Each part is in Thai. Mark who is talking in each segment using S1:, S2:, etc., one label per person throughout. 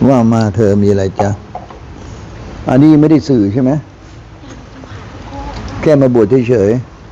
S1: ว่ามาเธอมีอะไรจ๊ะอันนี้ไม่ได้สื่อใช่ไหมแค่มาบวชเฉย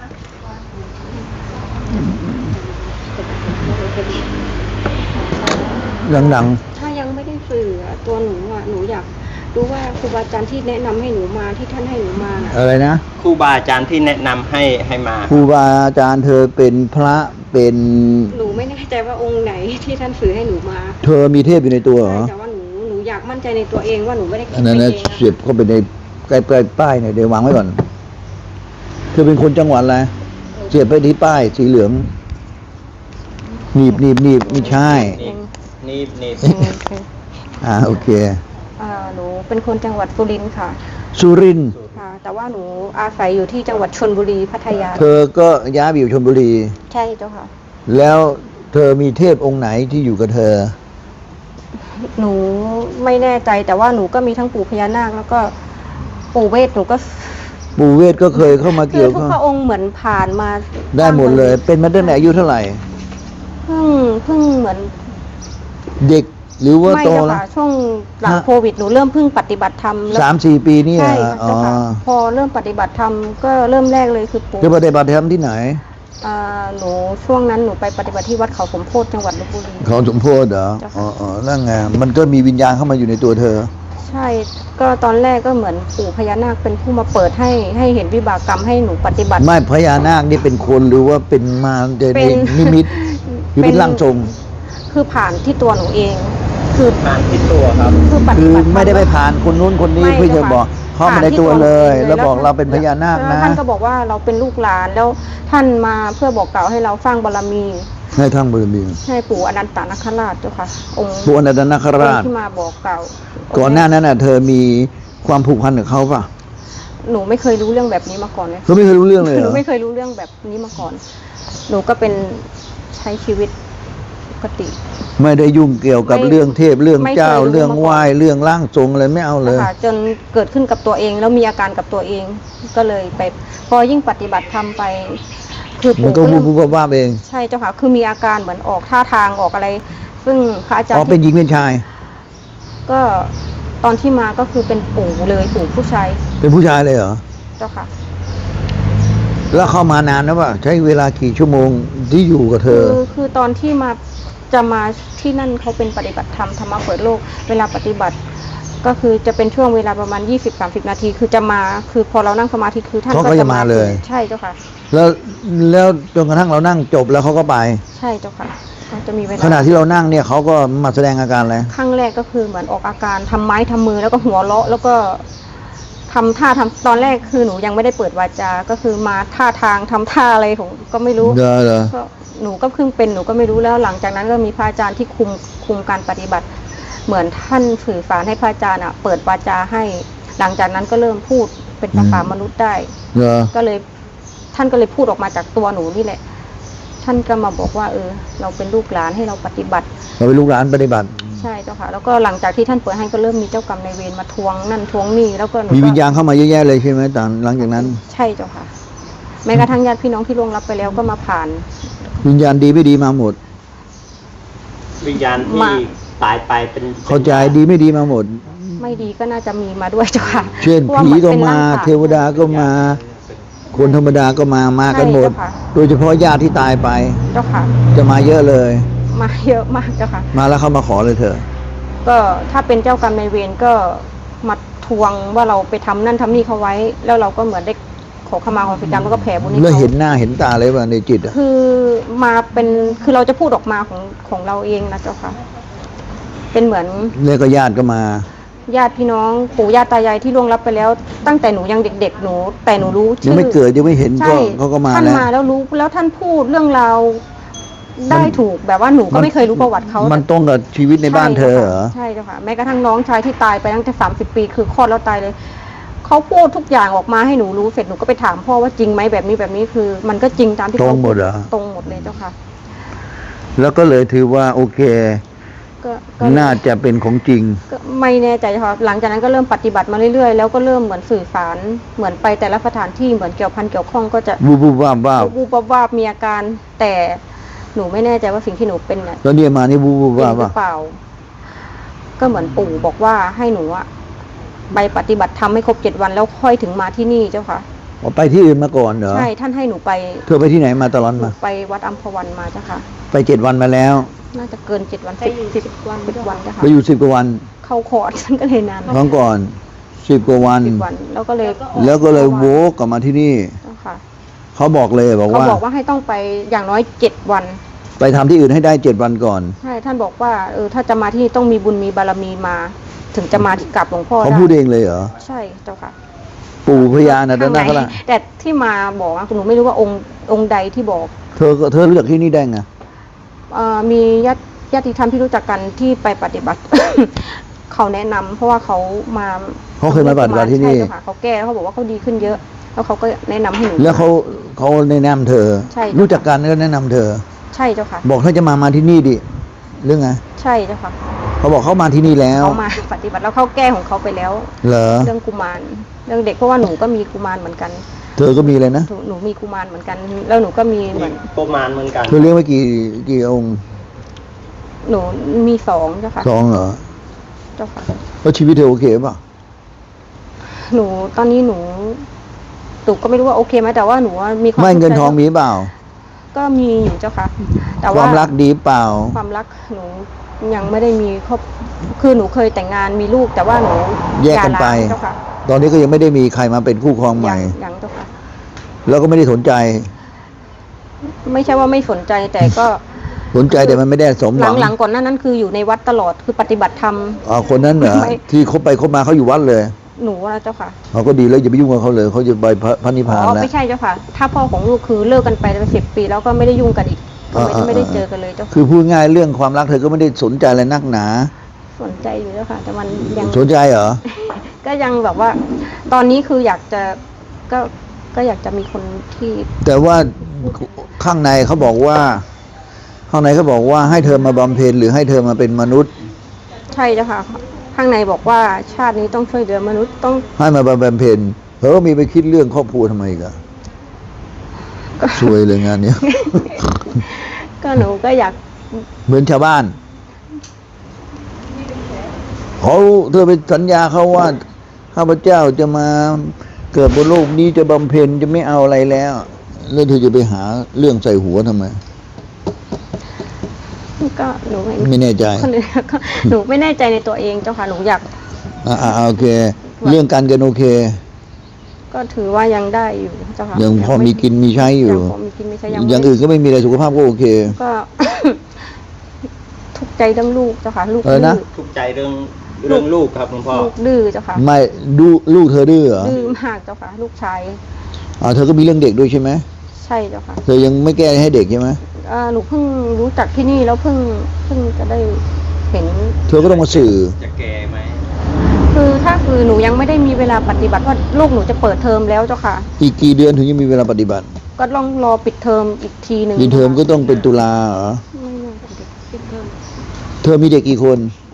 S1: ๆดัง
S2: ถ้ายังไม่ได้สื่อตัวหนูหนูอยากรู้ว่าครูบาอาจารย์ที่แนะนำให้หนูมาที่ท่านให้หนูมา
S1: อะไรนะ
S3: ครูบาอาจารย์ที่แนะนำให้มา
S1: ครูบาอาจารย์เธอเป็นพระเป็น
S2: หนูไม่แน่ใจว่าองค์ไหนที่ท่านสื่อให้หนูมา
S1: เธอมีเทพอยู่ในตัวเหรอ
S2: แต่ว่าหนูอยากมั่นใจในตัวเองว่าหนูไม่ได้คิด
S1: ไปเองเสียบเข้าไปในใกล้ป้ายเนี่ยเดี๋ยววางไว้ก่อนเธอเป็นคนจังหวัดอะไรเสียบไปที่ป้ายสีเหลืองหนีบไม่ใช่
S3: นีบ
S1: โอเค
S2: หนูเป็นคนจังหวัดสุรินทร์ค่ะ
S1: สุรินทร์
S2: ค่ะแต่ว่าหนูอาศัยอยู่ที่จังหวัดชลบุรีพัทยา
S1: เธอก็ย้ายไปอยู่ชลบุรี
S2: ใช่เจ้าค่ะ
S1: แล้วเธอมีเทพองค์ไหนที่อยู่กับเธอ
S2: หนูไม่แน่ใจแต่ว่าหนูก็มีทั้งปู่พญานาคแล้วก็ปู่เวทหนูก็
S1: ปู่เวทก็เคยเข้ามาเกี่ยวข้อง
S2: ทุกพระองค์เหมือนผ่านมา
S1: ได้หมดเลยเป็นมาตั้งแต่อายุเท่าไหร่
S2: เพิ่งเหมือน
S1: เด็กหรือว่าโต
S2: แล้วช่วงหลังโควิดหนูเริ่มเพิ่งปฏิบัติธรรม
S1: 3-4 ปีนี่
S2: พอเริ่มปฏิบัติธรรมก็เริ่มแรกเลยคือปู่
S1: จะปฏิบัติธรรมที่ไหน
S2: หนูช่วงนั้นหนูไปปฏิบัติที่วัดเขาสมโพธิจังหวัดลพบุรี
S1: เขาสมโพธิเหรอนั่นไงมันก็มีวิญญาณเข้ามาอยู่ในตัวเธอ
S2: ใช่ก็ตอนแรกก็เหมือนปู่พญานาคเป็นผู้มาเปิดให้เห็นวิบากกรรมให้หนูปฏิบัติ
S1: ไม่พญานาคนี่เป็นคนหรือว่าเป็นมาเป็นนิมิตหรือเป็นร่างทรง
S2: คือผ่านที่ตัวหนูเองคือ
S3: ผ่านที่ตัวครับ
S1: คือไม่ได้ไปผ่านคนนู้นคนนี้เพื่อจะบอกเข้ามาในตัวเลยแล้วบอกเราเป็นพญานาคนะ
S2: ท่านก็บอกว่าเราเป็นลูกหลานแล้วท่านมาเพื่อบอกกล่าวให้เราสร้างบารมี
S1: ให้ทั้งบารมี
S2: ให้ปู่อนันตนาคราชเจ้าค่ะองค์
S1: ปู่อนันตนาคราช
S2: ที่มาบอกกล่าว
S1: ก่อนหน้านั้นเธอมีความผูกพันกับเขาป่ะ
S2: หนูไม่เคยรู้เรื่องแบบนี้มาก่อนเลย
S1: เขาไม่เคยรู้เรื่องเลย
S2: หนูไม่เคยรู้เรื่องแบบนี้มาก่อนหนูก็เป็นใช้ชีวิตปกติ
S1: ไม่ได้ยุ่งเกี่ยวกับเรื่องเทพเรื่องเจ้าเรื่องไหว้เรื่องร่างทรงอะไรไม่เอาเลย
S2: จนเกิดขึ้นกับตัวเองแล้วมีอาการกับตัวเองก็เลยไปพอยิ่งปฏิบัติธรรมไป
S1: คือมันก็บูบว่าเอง
S2: ใช่เจ้าค่ะคือมีอาการเหมือนออกท่าทางออกอะไรซึ่งพระอาจารย์
S1: เป็นหญิงเป็นชาย
S2: ก็ตอนที่มาก็คือเป็นปู่เลยปู่ผู้ชาย
S1: เป็นผู้ชายเลยเหรอ
S2: เจ้าค่ะ
S1: แล้วเข้ามานานนะว่าใช้เวลากี่ชั่วโมงที่อยู่กับเธอ
S2: คือตอนที่จะมาที่นั่นเขาเป็นปฏิบัติธรรมธรรมะเปิดโลกเวลาปฏิบัติก็คือจะเป็นช่วงเวลาประมาณ 20-30 นาทีคือจะมาคือพอเรานั่งสมาธิคือท่าน
S1: ก็จะมาเลย
S2: ใช่เจ้าค่ะ
S1: แล้วจนกระทั่งเรานั่งจบแล้วเขาก็ไป
S2: ใช่เจ้าค่ะจะมีเวลา
S1: ขณะที่เรานั่งเนี่ยเขาก็มาแสดงอาการอะไร
S2: ครั้งแรกก็คือเหมือนออกอาการทำไม้ทำมือแล้วก็หัวเราะแล้วก็ทำท่าตอนแรกคือหนูยังไม่ได้เปิดวาจาก็คือมาท่าทางทำท่าอะไรของก็ไม่รู้ก็หนูก็เพิ่งเป็นหนูก็ไม่รู้แล้วหลังจากนั้นก็มีพระอาจารย์ที่คุมการปฏิบัติเหมือนท่านสื่อสารให้พระอาจารย์เปิดวาจาให้หลังจากนั้นก็เริ่มพูดเป็นภาษามนุษย์ได้ก็เลยท่านก็เลยพูดออกมาจากตัวหนูนี่แหละท่านก็มาบอกว่าเราเป็นลูกหลานให้เราปฏิบัติ
S1: เราเป็นลูกหลานปฏิบัติ
S2: ใช่เจ้าค่ะแล้วก็หลังจากที่ท่านเปิดให้ก็เริ่มมีเจ้ากรรมนายเวรมาทวงนั่นทวงนี่แล้วก็
S1: มีวิญญาณเข้ามาเยอะแยะเลยใช่ไหมตอนหลังจากนั้น
S2: ใช่เจ้าค่ะแม้กระทั่งญาติพี่น้องที่ล่วงลับไปแล้วก็มาผ่าน
S1: วิญญาณดีไม่ดีมาหมด
S3: วิญญาณที่ตายไปเป็น
S1: เข้าใจดีไม่ดีมาหมด
S2: ไม่ดีก็น่าจะมีมาด้วยเจ้าค่ะ
S1: เช่นผีก็มาเทวดาก็มาคนธรรมดาก็มากันหมดโดยเฉพาะญาติที่ตายไป
S2: เจ้าค่ะ
S1: จะมาเยอะเลย
S2: มาเยอะมากเจ้าค่ะ
S1: มาแล้วเขามาขอเลยเถอะ
S2: ก็ถ้าเป็นเจ้ากรรมนายเวรก็มาทวงว่าเราไปทำนั่นทำนี่เขาไว้แล้วเราก็เหมือนได้ขอขมาความผิดกรรมแล้วก็แผ่บุญให้เขา
S1: แล้วเห็นหน้าเห็นตาเลยว่าในจิต
S2: คือมาเป็นคือเราจะพูดออกมาของเราเองนะเจ้าค่ะเป็นเหมือน
S1: เนี่ยก็ญาติก็มา
S2: ญาติพี่น้องปู่ย่าตายายที่ล่วงลับไปแล้วตั้งแต่หนูยังเด็กๆหนูแต่หนูรู้
S1: ชื่อยังไม่เกิดยังไม่เห็นเขาก็มา
S2: ท่านมาแล้วรู้แล้วท่านพูดเรื่องราวได้ถูกแบบว่าหนูก็ไม่เคยรู้ประวัติเขา
S1: มันตรงกับชีวิตในบ้านเธอเหรอ
S2: ใช่เจ้าค่ะแม้กระทั่งน้องชายที่ตายไปตั้งแต่30 ปีคือคลอดแล้วตายเลยเขาพูดทุกอย่างออกมาให้หนูรู้เสร็จหนูก็ไปถามพ่อว่าจริงไหมแบบนี้คือมันก็จริงตามที่
S1: เขาตรงหมดเหรอ
S2: ตรงหมดเลยเจ้าค่ะ
S1: แล้วก็เลยถือว่าโอเคก็น่าจะเป็นของจริง
S2: ก็ไม่แน่ใจค่ะหลังจากนั้นก็เริ่มปฏิบัติมาเรื่อยๆแล้วก็เริ่มเหมือนสื่อสารเหมือนไปแต่ละสถานที่เหมือนเกี่ยวข้องก็จะ
S1: บูบวาบ
S2: มีอาการแต่หนูไม่แน่ใจว่าสิ่งที่หนูเป็นเนี่ย
S1: แล้วเนี่ยมานี่บูบวาบ
S2: เปล่าก็เหมือนปู่บอกว่าให้หนูอะไปปฏิบัติธรรมให้ครบ7 วันแล้วค่อยถึงมาที่นี่เจ้าค่ะ
S1: อ๋อไปที่อื่นมาก่อนเหรอ
S2: ใช่ท่านให้หนูไป
S1: เธอไปที่ไหนมาตลอด
S2: หนู
S1: มา
S2: ไปวัดอัมพวันมาเจ้าค่ะ
S1: ไป7 วันมาแล้ว
S2: น่าจะเกิน7 วัน10 วันเจ้าค่ะ
S1: ไปอยู่10 กว่าวัน
S2: เข้าคอร์ส ฉันก็เลยนาน
S1: ครั้งก่อน10 กว่าวัน
S2: 10 วันแล้วก็เลย
S1: แล้วก็เลยโวกกลับมาที่นี่
S2: เจ้าค่ะ
S1: เขาบอกเลยบอก
S2: เขา
S1: ว่า
S2: บอกว่าให้ต้องไปอย่างน้อย7 วัน
S1: ไปทำที่อื่นให้ได้7 วันก่อน
S2: ใช่ท่านบอกว่าถ้าจะมาที่นี่ต้องมีบุญมีบารมีมา ถึงจะมาที่กลับหลวงพ่อ
S1: เขา
S2: ได้
S1: พูดเองเลยเหรอ
S2: ใช่เจ้าค่ะ
S1: ปู่พญานาค
S2: ข้าง
S1: รา
S2: ใน
S1: ช
S2: แต่ที่มาบอกอะหนูไม่รู้ว่าองค์ใดที่บอก
S1: เธอรู้จักที่นี่ได้ไง
S2: มีญาติธรรมที่รู้จักกันที่ไปปฏิบัติ เขาแนะนำเพราะว่าเขามา
S1: เขาเคยมาปฏิบัติที่นี่
S2: ใช่เจ้าค่ะเขาแก้แล้วเขาบอกว่าเขาดีขึ้นเยอะ แล้วเขาก็แนะนำให้หนู
S1: แล้วเขาแนะนำเธอ
S2: ใช่
S1: รู้จักกันก็แนะนำเธอ
S2: ใช่เจ้าค่ะ
S1: บอกถ้าจะมาที่นี่ดิเรื่องไง
S2: ใช่เจ้าค่ะ
S1: เขาบอกเขามาที่นี่แล้ว
S2: เขามาปฏิบัติแล้วเขาแก้ของเขาไปแล้ว
S1: เหรอ
S2: เรื่องกุมารเรื่องเด็กเพราะว่าหนูก็มีกุมารเหมือนกัน
S1: เธอก็มีเลยนะ
S2: หนูมีกุมารเหมือนกัน แล้วหนูก็มีเหมือน
S3: ประมาณเหมือนกัน
S1: เธอเลี้ยงไว้กี่องค์
S2: หนูมี2เจ้าค่ะ
S1: 2เหรอ
S2: เจ้าค่ะ
S1: แล้วชีวิตเธอโอเคป่ะ
S2: หนูตอนนี้หนูก็ไม่รู้ว่าโอเคไหมแต่ว่าหนูว่ามีความ
S1: ไม่เงิน
S2: สุขใจ
S1: ทองมีเปล่า
S2: ก็มีอยู่เจ้าค่ะ แต่
S1: ความรักดีเปล่า
S2: ความรักหนูยังไม่ได้มีครอบคือหนูเคยแต่งงานมีลูก แต่ว่าหนู
S1: แยกกันไป
S2: หย่าร้างเจ้าค่ะ
S1: ตอนนี้ก็ยังไม่ได้มีใครมาเป็นคู่ครองใหม่
S2: ยังเจ้าค่ะ
S1: แล้วก็ไม่ได้สนใจ
S2: ไม่ใช่ว่าไม่สนใจแต่ก็
S1: สนใจแต่มันไม่ได้สมหวัง
S2: หลังๆก่อนหน้านั้นคืออยู่ในวัดตลอดคือปฏิบัติธรรม
S1: คนนั้นเหรอ
S2: ไม่
S1: ที่คบไปคบมาเขาอยู่วัดเลย
S2: หนูนะเจ้าค่ะ
S1: เขาก็ดีแล้วอย่าไปยุ่งกับเขาเลยเขาจะไปพระนิพพานแล้ว
S2: ไม่ใช่เจ้าค่ะ ถ้าพ่อของลูกคือเลิกกันไปเป็น10 ปีแล้วก็ไม่ได้ยุ่งกันอีกก็ไม่ได้เจอกันเลยเจ้าค่ะ
S1: คือพูดง่ายเรื่องความรักเธอก็ไม่ได้สนใจอะไรนักหนา
S2: สนใจอยู่เจ้าค่ะ แต่มันยัง
S1: สนใจเหรอ
S2: ก็ยังแบบว่า ตอนนี้คืออยากจะก็อยากจะมีคนที่
S1: แต่ว่าข้างในเขาบอกว่า ข้างในเขาบอกว่าให้เธอมาบำเพ็ญหรือให้เธอมาเป็นมนุษย์
S2: ใช่เจ้าค่ะ ข้างในบอกว่าชาตินี้ต้องช่วยเหลือมนุษย์ต้อง
S1: ให้มาบำเพ็ญเธอก็มีไปคิดเรื่องครอบครัวทำไมอีกันช่วยเลยงานเนี้ย
S2: ก็หนูก็อยาก
S1: เหมือนชาวบ้านเธอไปสัญญาเขาว่าข้าพเจ้าจะมาเกิดบนโลกนี้จะบำเพ็ญจะไม่เอาอะไรแล้วแล้วเธอจะไปหาเรื่องใส่หัวทำไม
S2: ก็หนู
S1: ไม่แน่ใจ
S2: คนอื่นก็หนูไม่แน่ใจในตัวเองเจ้าค่ะหนูอยาก
S1: โอเค เรื่องการเงินโอเค
S2: ก็ถือว่ายังได้อยู่เจ้าค่ะ
S1: ยังพอมีกินมีใช้อยู่
S2: ยังพอมีกินไม่ใช่ยัง
S1: อย่างอื่นก็ไม่มีอะไรสุขภาพก็โอเค
S2: ก็ ทุกข์ใจเรื่องลูกเจ้าค่ะ ลูก
S1: อะไรนะ
S3: ทุกข์ใจเรื่องลูกครับหลวงพ่อ
S2: ลูกดื้อเจ้าค่ะ
S1: ไม่ดูลูกเธอดื้อเหรอ
S2: ดื้อมากเจ้าค่ะ ลูกชาย
S1: เธอก็มีเรื่องเด็กด้วยใช่ไหม
S2: ใช่เจ้าค่ะ
S1: เธอยังไม่แก้ให้เด็กใช่ไหม
S2: หนูเพิ่งรู้จักที่นี่แล้วเพิ่งจะได้เห็น
S1: เธอก็ต้องมาสื่อ
S3: จะแก่ไหม
S2: คือหนูยังไม่ได้มีเวลาปฏิบัติเพราะลูกหนูจะเปิดเทอมแล้วเจ้าค่ะ
S1: อีกกี่เดือนถึงจะมีเวลาปฏิบัติ
S2: ก็ต้องรอปิดเทอมอีกทีหนึ่ง
S1: ปีเทอมก็ต้องเป็นตุลาเหรอ
S2: ไม่น่าจะปิดเทอม
S1: เธอมีเด็กกี่คน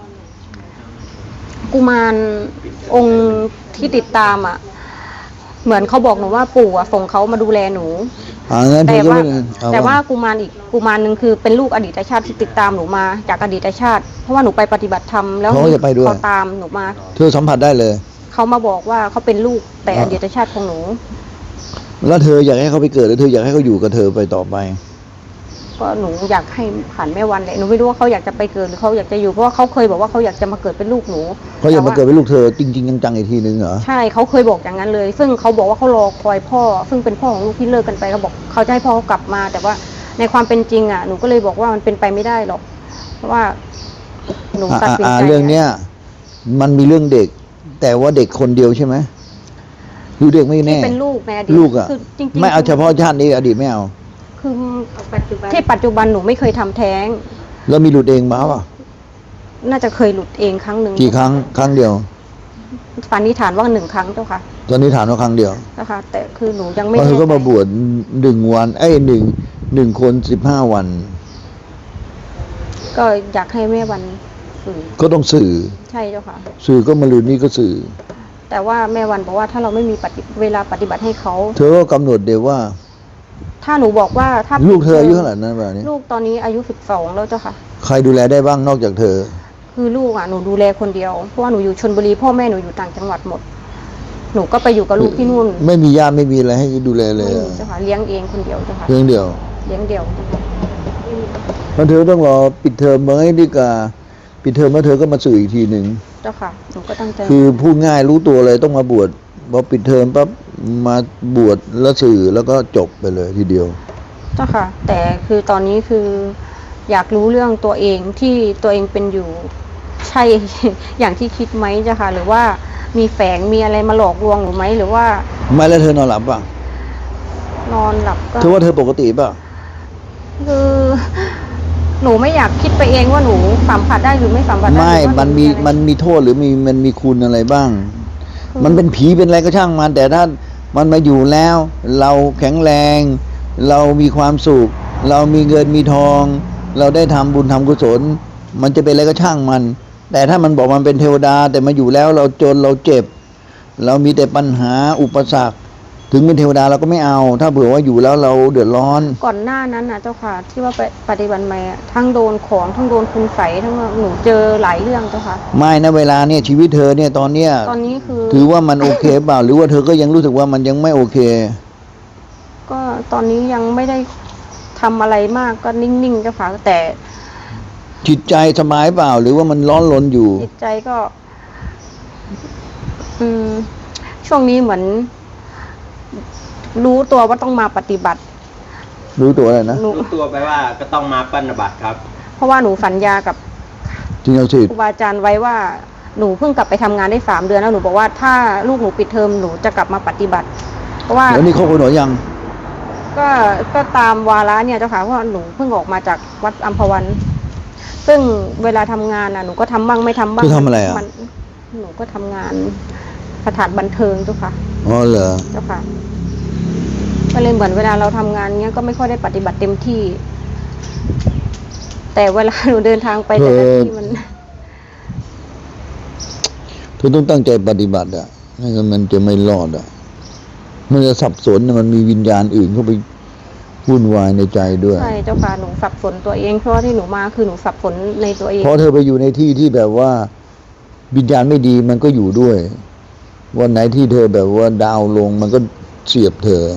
S2: กุมารองค์ที่ติดตามอ่ะ เหมือนเขาบอกหนูว่าปู่อ่ะส่งเขามาดูแลหนู
S1: งั้นเธ
S2: แต่
S1: อก็
S2: ว่า
S1: ไม่เอ
S2: แต่ว่ากุมารอีกกุมารหนึ่งคือเป็นลูกอดีตชาติที่ติดตามหนูมาจากอดีตชาติ เพราะว่าหนูไปปฏิบัติธรรมแล้ว
S1: เขาก็จะไปด้วย
S2: เขาตามหนูมา
S1: เธอสัมผัสได้เลย
S2: เขามาบอกว่าเขาเป็นลูกแต่อดีตชาติของหนู
S1: แล้วเธออยากให้เขาไปเกิดหรือเธออยากให้เขาอยู่กับเธอไปต่อไป
S2: ก็หนูอยากให้ผ่านแม่วันเลยหนูไม่รู้ว่าเขาอยากจะไปเกิดหรือเขาอยากจะอยู่เพราะว่าเขาเคยบอกว่าเขาอยากจะมาเกิดเป็นลูกหนู
S1: เขาอยากมา
S2: แต่ว่
S1: เกิดเป็นลูกเธอจริงๆจังๆอีกทีนึงเหรอ
S2: ใช่เขาเคยบอกอย่างนั้นเลย ซึ่งเขาบอกว่าเขารอคอยพ่อ ซึ่งเป็นพ่อของลูกที่เลิกกันไปเขาบอกเขาจะให้พ่อเขากลับมา แต่ว่าในความเป็นจริงอ่ะหนูก็เลยบอกว่ามันเป็นไปไม่ได้หรอกเพราะว่าหนูตัดสินใจ
S1: เรื่องเนี้ยมันมีเรื่องเด็ก แต่ว่าเด็กคนเดียวใช่ไหมหรือเด็กไม่แน่
S2: ที่เป็นลูกในอดีต
S1: ลูกอ่ะ
S2: คือจริงๆ
S1: ไม่เอาเฉพาะชาตินี้อดีตไม่เอา
S2: คือที่ปัจจุบันหนูไม่เคยทำแท้ง
S1: แล้วมีหลุดเองมาป่ะ
S2: น่าจะเคยหลุดเองครั้งหนึ่ง
S1: กี่ครั้งครั้งเดียว
S2: สันนิษฐานว่า1 ครั้งเจ้าค่ะ
S1: ตอนนี้ถามว่าครั้งเดียว
S2: นะคะ แต่คือหนูยัง
S1: เพ
S2: ไม่
S1: ราะเธอก็
S2: แน่ใจ
S1: มาบวช1 วันหนึ่งคน15 วัน
S2: ก็อยากให้แม่วันสื่อ
S1: ก็ต้องสื่อ
S2: ใช่เจ้าค่ะ
S1: สื่อก็มาลืนนี่ก็สื่อ
S2: แต่ว่าแม่วันบอกว่าถ้าเราไม่มีเวลาปฏิบัติให้เขา
S1: เธอก็กำหนดเดี๋ยวว่า
S2: ถ้าหนูบอกว่าถ้า
S1: ลูกเธออายุเท่าไหร่นั้นแบบนี้
S2: ลูกตอนนี้อายุ12แล้วเจ้าค่ะ
S1: ใครดูแลได้บ้างนอกจากเธอ
S2: คืคือลูกหนูดูแลคนเดียวเพราะว่าหนูอยู่ชลบุรีพ่อแม่หนูอยู่ต่างจังหวัดหมดหนูก็ไปอยู่กับลูกที่นู่น
S1: ไม่มีญาติไม่มีอะไรให้ดูแลเลย
S2: ไม่มีเจ้าค่ะเลี้ยงเองคนเดียวเจ้าค่ะ
S1: เพียงเดียว
S2: เลี้ยงเดี่ยว
S1: เพราะเธอต้องรอปิดเทอมไหมดีกว่าปิดเทอมแล้วเธอก็มาสื่ออีกทีหนึ่ง
S2: เจ้าค่ะหนูก็ตั้งใจ
S1: คือพูดง่ายรู้ตัวเลยต้องมาบวชพอปิดเทอมปั๊บมาบวชแล้วสื่อแล้วก็จบไปเลยทีเดียว
S2: เจ้าค่ะ แต่คือตอนนี้คืออยากรู้เรื่องตัวเองที่ตัวเองเป็นอยู่ใช่ อย่างที่คิดไหมเจ้าค่ะ หรือว่ามีแฝงมีอะไรมาหลอกลวงหนูไหมหรือว่า
S1: ไม่แล้วเธอนอนหลับป่ะ
S2: นอนหลับก็
S1: เธอว่าเธอปกติป่ะ
S2: คือหนูไม่อยากคิดไปเองว่าหนูสัมผัสได้หรือไม่สัมผัสได้
S1: ไม่
S2: หรือว่า
S1: มันมี
S2: อะไร
S1: มันมีโทษหรือมันมีคุณอะไรบ้าง มันเป็นผีเป็นอะไรก็ช่างมัน แต่ถ้ามันมาอยู่แล้ว เราแข็งแรง เรามีความสุข เรามีเงินมีทอง เราได้ทำบุญทำกุศล มันจะเป็นอะไรก็ช่างมัน แต่ถ้ามันบอกมันเป็นเทวดา แต่มาอยู่แล้วเราจนเราเจ็บ เรามีแต่ปัญหาอุปสรรค ถึงเป็นเทวดาเราก็ไม่เอา ถ้าเผื่อว่าอยู่แล้วเราเดือดร้อน
S2: ก่อนหน้านั้นนะเจ้าค่ะ ที่ว่าไปปฏิบัติมาทั้งโดนของทั้งโดนคุณใสยทั้งหนูเจอหลายเรื่องเจ้าค่ะ
S1: ไม่นะเวลาเนี่ยชีวิตเธอเนี่ยตอนเนี้ย
S2: ตอนนี้คือ
S1: ถือว่ามันโอเคเปล่า หรือว่าเธอก็ยังรู้สึกว่ามันยังไม่โอเค
S2: ก็ตอนนี้ยังไม่ได้ทำอะไรมากก็นิ่งๆเจ้าค่ะ แต่
S1: จิตใจสบายเปล่า หรือว่ามันร้อนรนอยู่
S2: จิตใจก็ ช่วงนี้เหมือน รู้ตัวว่าต้องมาปฏิบัติ
S1: รู้ตัวอะไรนะ
S2: หนู
S3: รู้ตัวไปว่าก็ต้องมาปฏิบัติครับ
S2: เพราะว่าหนูสัญญากับ
S1: จริงเอาสิ
S2: ครูบาอาจารย์ไว้ว่าหนูเพิ่งกลับไปทำงานได้3 เดือนแล้วหนูบอกว่าถ้าลูกหนูปิดเทอมหนูจะกลับมาปฏิบัติ เพราะว่า
S1: แล้วนี่ครบกันหรือยัง
S2: ก็ตามวาระเนี่ยเจ้าค่ะเพราะว่าหนูเพิ่งออกมาจากวัดอัมพวัน ซึ่งเวลาทำงานหนูก็ทำบ้างไม่ทำบ้าง
S1: เธอทำอะไรอ่ะ
S2: หนูก็ทำงานสถานบันเทิงเจ้าค่ะ
S1: อ๋อเหรอ
S2: เจ้าค่ะ ก็เลยเหมือนเวลาเราทำงานเนี้ยก็ไม่ค่อยได้ปฏิบัติเต็มที่ แต่เวลาหนูเดินทางไปแต่ละที่มัน
S1: เธอต้องตั้งใจปฏิบัติอ่ะไม่งั้นมันจะไม่รอดอ่ะ มันจะสับสนมันมีวิญญาณอื่นเข้าไปวุ่นวายในใจด้วย
S2: ใช่เจ้าค่ะหนูสับสนตัวเองเพราะว่าที่หนูมาคือหนูสับสนในตัวเอง
S1: เพราะเธอไปอยู่ในที่ที่แบบว่า วิญญาณไม่ดีมันก็อยู่ด้วย วันไหนที่เธอแบบว่าดาวลงมันก็เสียบเธอ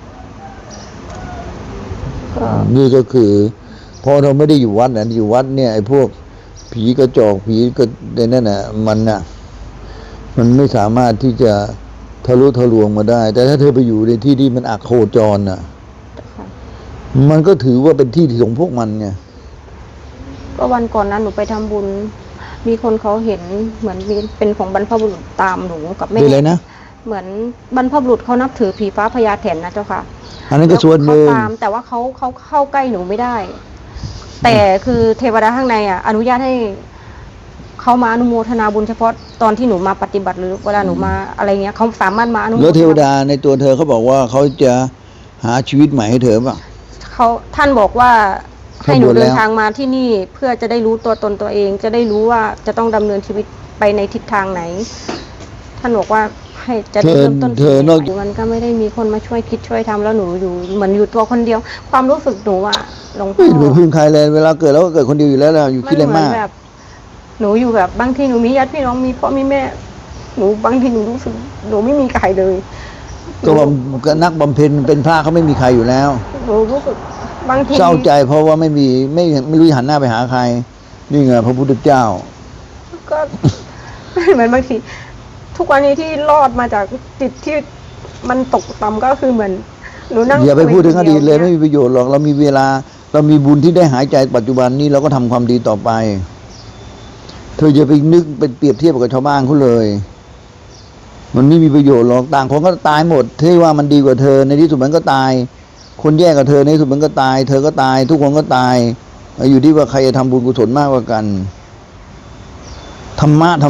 S2: ก็
S1: นี่ก็คือพอเราไม่ได้อยู่วัดนะอยู่วัดเนี่ยไอ้พวกผีกระจอกผีก็ในนั่นน่ะมันไม่สามารถที่จะทะลุทะลวงมาได้ แต่ถ้าเธอไปอยู่ในที่ที่มันอักโคจรน่ะ
S2: ค่ะ
S1: มันก็ถือว่าเป็นที่ของพวกมันไง
S2: ก็วันก่อนนั้นหนูไปทำบุญ มีคนเขาเห็นเหมือนมีเป็นของบรรพบุรุษตามหนูกับแม่
S1: เป็นอะไรนะ
S2: เหมือนบรรพบุรุษเขานับถือผีฟ้าพญาแถนนะเจ้าค่ะ
S1: อันนั้นก็ส่วนหนึ่ง
S2: เขาตามแต่ว่าเขาเข้าใกล้หนูไม่ได้ แต่คือเทวดาข้างในอนุญาตให้เขามาอนุโมทนาบุญเฉพาะตอนที่หนูมาปฏิบัติหรือเวลาหนูมาอะไรเงี้ยเขาสามารถมาอนุโมทนา
S1: แล้วเทวดาในตัวเธอเขาบอกว่าเขาจะหาชีวิตใหม่ให้เธอป่ะ
S2: ท่านบอกว่าให้หนู
S1: ข้างบนแล้ว
S2: เดินทางมาที่นี่เพื่อจะได้รู้ตัวตนตัวเอง จะได้รู้ว่าจะต้องดำเนินชีวิตไปในทิศทางไหน ท่านบอกว่าให้จะได้เริ่มต้น
S1: เธอนอก
S2: มันก็ไม่ได้มีคนมาช่วยคิดช่วยทำแล้วหนูอยู่เหมือนอยู่ตัวคนเดียว ความรู้สึกหนูหลวงพ่
S1: ไม่
S2: อ
S1: หนูพึ่งใครเลยเวลาเกิดแล้วก็เกิดคนเดียวอยู่แล้วนะอยู่คิดอะไร
S2: เหมื
S1: มาก
S2: แบบ หนูอยู่แบบบางทีหนูมีญาติพี่น้องมีพ่อมีแม่ หนูบางทีหนูรู้สึกหนูไม่มีใครเลย
S1: ก็ว่านักบำเพ็ญเป็นพระเขาไม่มีใครอยู่แล้ว
S2: หนูรู้สึกบางที
S1: เศร้าใจเพราะว่าไม่รู้จะหันหน้าไปหาใคร นี่ไงพระพุทธเจ้า
S2: ก็ เหมือนบางทีทุกวันนี้ที่รอดมาจากจิตที่มันตกต่ำก็คือเหมือนหนูนั่ง
S1: อย่าไปพูดถึงอดีตเลย
S2: คน
S1: ไม่
S2: ว
S1: มีประโยชน์หรอกเรามีเวลา เรามีบุญที่ได้หายใจปัจจุบันนี้เราก็ทำความดีต่อไป เธออย่าไปนึกไปเปรียบเทียบกับชาวบ้านเขาเลย มันไม่มีประโยชน์หรอกต่างคนก็ตายหมดที่ว่ามันดีกว่าเธอในที่สุดมันก็ตาย คนแย่กับเธอในที่สุดมันก็ตาย เธอก็ตาย ทุกคนก็ตายอยู่ที่ว่าใครจะทำบุญกุศลมากกว่ากันธรรมะ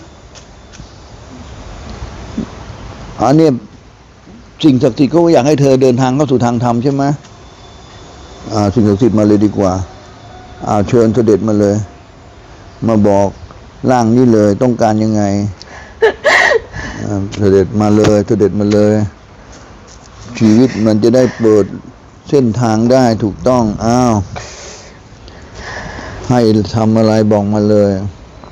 S1: อันนี้สิ่งศักดิ์สิทธิ์ก็อยากให้เธอเดินทางเข้าสู่ทางธรรมใช่ไหมสิ่งศักดิ์สิทธิ์มาเลยดีกว่าเชิญเสด็จมาเลย มาบอกร่างนี้เลยต้องการยังไง เสด็จมาเลยเสด็จมาเลย ชีวิตมันจะได้เปิดเส้นทางได้ถูกต้องให้ทำอะไรบอกมาเลย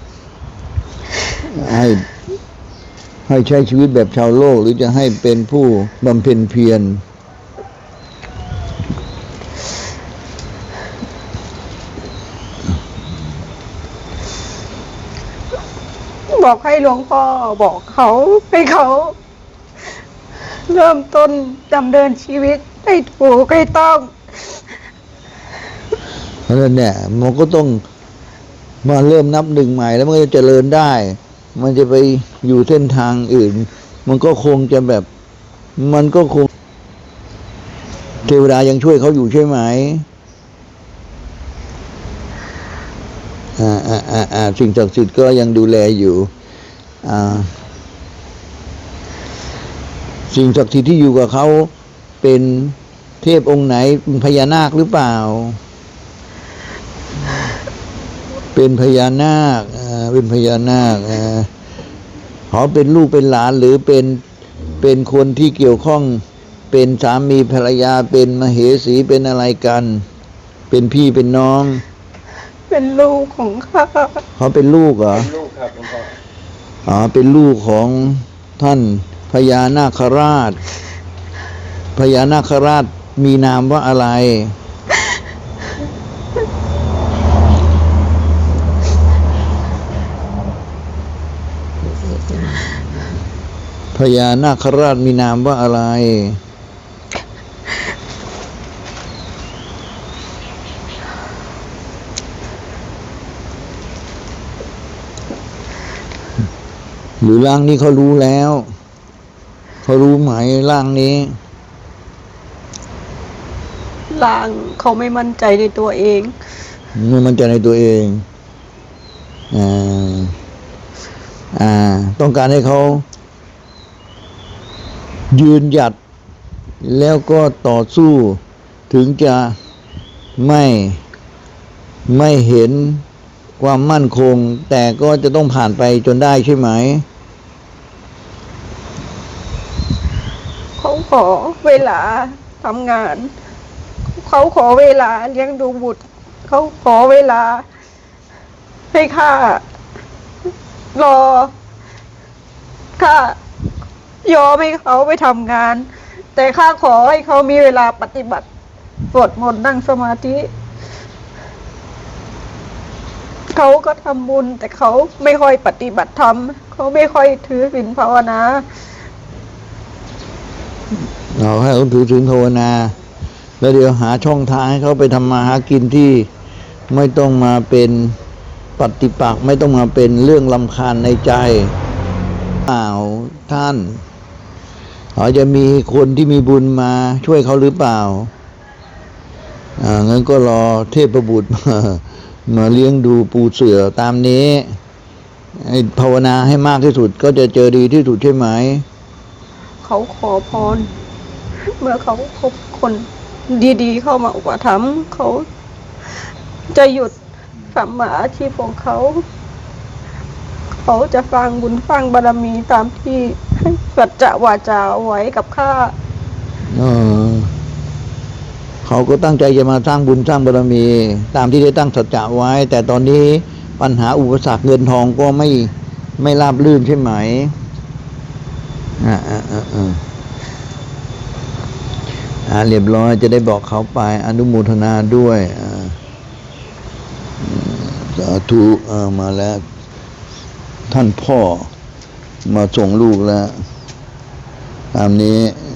S1: ให้ให้ใช้ชีวิตแบบชาวโลกหรือจะให้เป็นผู้บำเพ็ญเพียร
S2: บอกให้หลวงพ่อบอกเขาให้เขา เริ่มต้นดำเนินชีวิตให้ถูกให้ต้อง
S1: เพราะฉะนั้นเนี่ยมันก็ต้องมาเริ่มนับหนึ่งใหม่แล้วมันก็จะเจริญได้ มันจะไปอยู่เส้นทางอื่น มันก็คงจะแบบ มันก็คงเทวดายังช่วยเขาอยู่ใช่ไหมสิ่งศักดิ์สิทธิ์ก็ยังดูแลอยู่สิ่งศักดิ์สิทธิ์ที่อยู่กับเขาเป็นเทพองค์ไหนเป็นพญานาคหรือเปล่าเป็นพญานาคเป็นพญานาคเขาเป็นลูกเป็นหลานหรือเป็นคนที่เกี่ยวข้องเป็นสามีภรรยาเป็นมเหสีเป็นอะไรกันเป็นพี่เป็นน้อง
S2: เป็นลูกของข้า
S1: เขาเป็นลูกเหรอ
S3: เป็นลูกครับหลวงพ่อ
S1: เป็นลูกของท่านพญานาคราชพญานาคราชมีนามว่าอะไรพญานาคราชมีนามว่าอะไรหรือร่างนี้เขารู้แล้วเขารู้ไหมร่างนี้
S2: ร่างเขาไม่มั่นใจในตัวเอง
S1: ไม่มั่นใจในตัวเองต้องการให้เขายืนหยัดแล้วก็ต่อสู้ถึงจะไม่เห็นความมั่นคงแต่ก็จะต้องผ่านไปจนได้ใช่ไหม
S2: เขาขอเวลาทำงานเขาขอเวลาเลี้ยงดูบุตรเขาขอเวลาให้ข้ารอข้ายอมให้เขาไปทำงานแต่ข้าขอให้เขามีเวลาปฏิบัติสวดมนต์นั่งสมาธิเขาก็ทำบุญแต่เขาไม่ค่อยปฏิบัติธรรมเขาไม่ค่อยถือศีลภาวนา
S1: เราให้เขาถือศีลภาวนาแล้วเดี๋ยวหาช่องทางให้เขาไปทำมาหากินที่ไม่ต้องมาเป็นปฏิปักษ์ไม่ต้องมาเป็นเรื่องรำคาญในใจท่านเขาจะมีคนที่มีบุญมาช่วยเขาหรือเปล่างั้นก็รอเทพบุตรมาเลี้ยงดูปูเสือตามนี้ให้ภาวนาให้มากที่สุดก็จะเจอดีที่สุดใช่ไหม
S2: เขาขอพรเมื่อเขาพบคนดีๆเข้ามาอุปถัมภ์เขาจะหยุดสัมมาอาชีพของเขาจะสร้างบุญสร้างบารมีตามที่สัจจะวาจาไว้กับข้า
S1: เขาก็ตั้งใจจะมาสร้างบุญสร้างบารมีตามที่ได้ตั้งสัจจะไว้แต่ตอนนี้ปัญหาอุปสรรคเงินทองก็ไม่ราบรื่นใช่ไหมเรียบร้อยจะได้บอกเขาไปอนุโมทนาด้วยสาธุมาแล้วท่านพ่อมาส่งลูกแล้วตามนี้